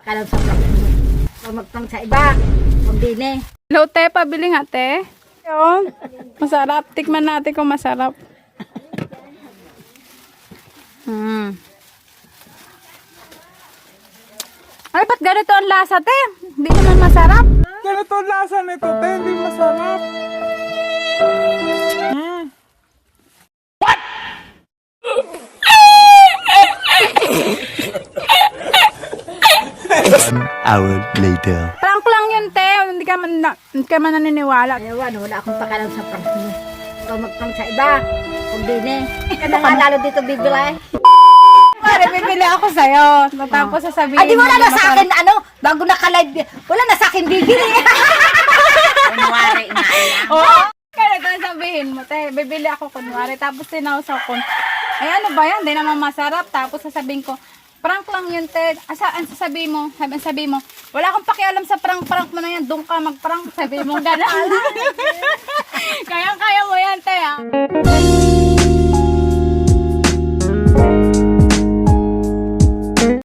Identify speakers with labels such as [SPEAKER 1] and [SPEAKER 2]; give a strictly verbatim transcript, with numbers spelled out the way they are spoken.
[SPEAKER 1] Kalam sa prank mo. Huwag magprank sa iba. Kung dine.
[SPEAKER 2] Hello, te. Pabili nga, te. Yun. Masarap. Tikman natin kung masarap. Hmm. Ay, ba't ganito ang lasa, te? Hindi naman masarap.
[SPEAKER 3] Ganito ang lasa nito, te. Hindi masarap. Mm.
[SPEAKER 4] One hour later.
[SPEAKER 2] Prank lang yun, te. Hindi ka man, na, hindi ka man naniniwala.
[SPEAKER 1] Ayawan, wala akong pakalam sa prank mo. Huwag magprank sa iba. Kung dine. Ano nga lalo dito bibili?
[SPEAKER 2] Pare, bibili ako sa'yo. Tapos sasabihin
[SPEAKER 1] Ay, di wala
[SPEAKER 2] mo
[SPEAKER 1] na sa
[SPEAKER 2] masarap.
[SPEAKER 1] akin, ano, bago naka-live, wala na sa akin bibili.
[SPEAKER 5] Kunwari nga lang.
[SPEAKER 2] Oo. Kaya ito ang sabihin mo, te. Bibili ako kunwari. Tapos sinausaw ko. Ay, ano ba yan? Hindi naman masarap. Tapos sasabihin ko, prank lang yun, te. Asa, ang sasabihin mo, sabi, sabihin mo, wala akong pakialam sa prank-prank mo na yan. Doon ka mag-prank. Sabihin mo, gano'n.